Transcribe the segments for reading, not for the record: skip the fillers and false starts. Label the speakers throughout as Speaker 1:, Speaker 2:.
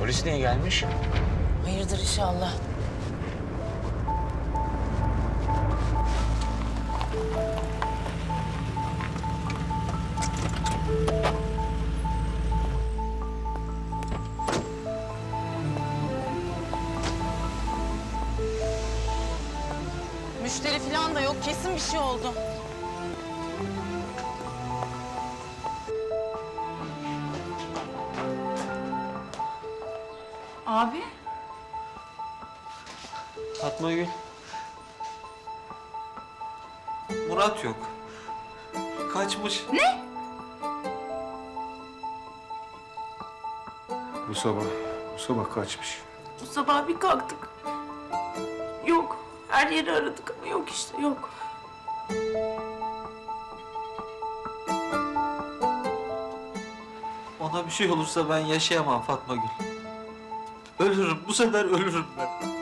Speaker 1: Polis niye gelmiş?
Speaker 2: Hayırdır inşallah. Müşteri falan da yok. Kesin bir şey oldu. Abi.
Speaker 3: Fatma Gül. Murat yok. Kaçmış.
Speaker 1: Bu sabah kaçmış.
Speaker 4: Bu sabah bir kalktık. Yok. Her yeri aradık ama yok işte, yok.
Speaker 3: Ona bir şey olursa ben yaşayamam Fatma Gül. Ölürüm. Bu sefer ölürüm ben.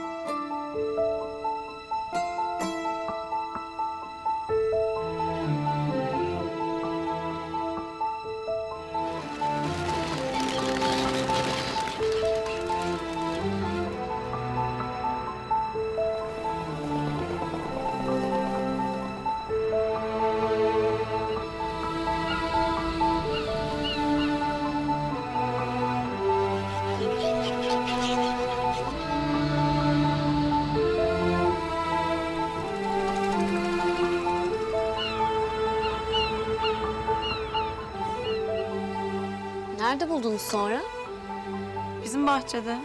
Speaker 5: Nerede buldunuz sonra?
Speaker 4: Bizim bahçede.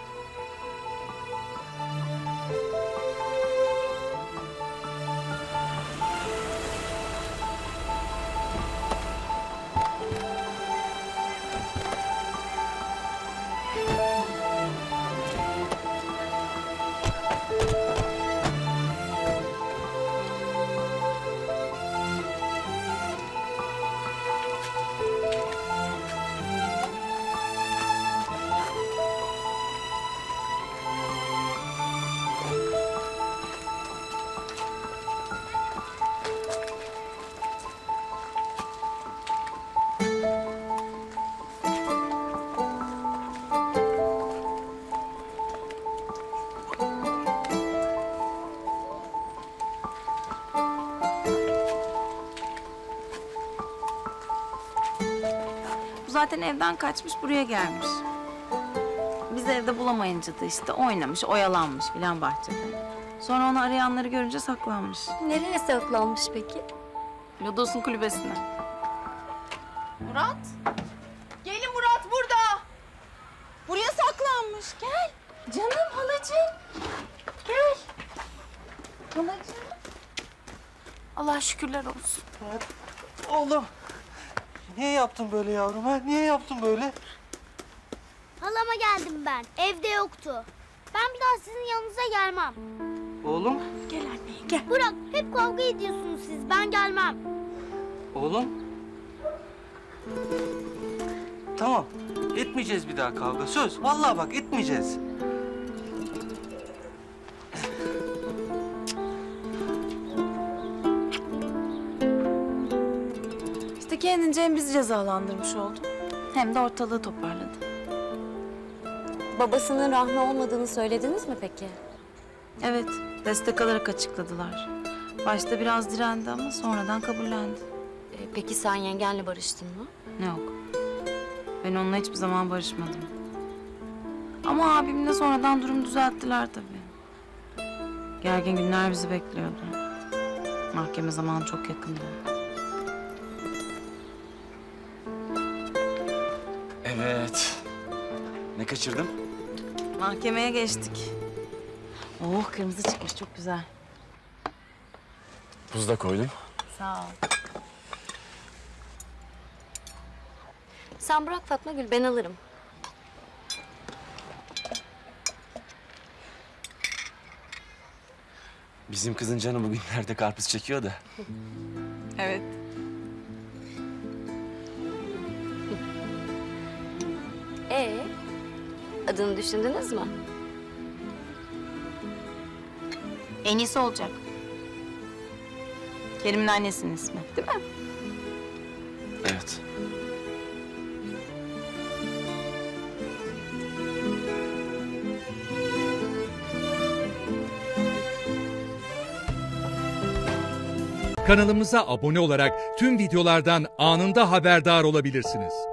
Speaker 4: Bu zaten evden kaçmış, buraya gelmiş. Biz evde bulamayınca da işte oynamış, oyalanmış filan bahçede. Sonra onu arayanları görünce saklanmış.
Speaker 5: Nereye saklanmış peki?
Speaker 4: Lodos'un kulübesine.
Speaker 2: Murat. Gelin Murat burada. Buraya saklanmış. Gel. Canım halacığım. Gel. Halacığım.
Speaker 4: Allah şükürler olsun.
Speaker 3: Oğlum. Niye yaptın böyle yavrum ha? Niye yaptın böyle?
Speaker 6: Halama geldim ben. Evde yoktu. Ben bir daha sizin yanınıza gelmem.
Speaker 3: Oğlum.
Speaker 4: Gel anneye gel.
Speaker 6: Burak, hep kavga ediyorsunuz siz. Ben gelmem.
Speaker 3: Oğlum. Tamam. Etmeyeceğiz bir daha kavga. Söz. Vallahi bak etmeyeceğiz.
Speaker 4: İşte kendince hem bizi cezalandırmış oldu, hem de ortalığı toparladı.
Speaker 5: Babasının Rahmi olmadığını söylediniz mi peki?
Speaker 4: Evet, destek alarak açıkladılar. Başta biraz direndi ama sonradan kabullendi.
Speaker 5: Peki sen yengenle barıştın mı?
Speaker 4: Yok, ben onunla hiçbir zaman barışmadım. Ama abimle sonradan durum düzelttiler tabii. Gergin günler bizi bekliyordu. Mahkeme zamanı çok yakındı.
Speaker 1: Evet. Ne kaçırdım?
Speaker 4: Mahkemeye geçtik. Oh, kırmızı çıkmış, çok güzel.
Speaker 1: Buz da koydum.
Speaker 4: Sağ ol.
Speaker 5: Sen bırak Fatma Gül, ben alırım.
Speaker 1: Bizim kızın canı bugünlerde karpuz çekiyor da.
Speaker 4: Evet.
Speaker 5: Adını düşündünüz mü?
Speaker 4: En iyisi olacak. Kerim'in annesinin ismi, değil mi?
Speaker 1: Evet.
Speaker 7: Kanalımıza abone olarak tüm videolardan anında haberdar olabilirsiniz.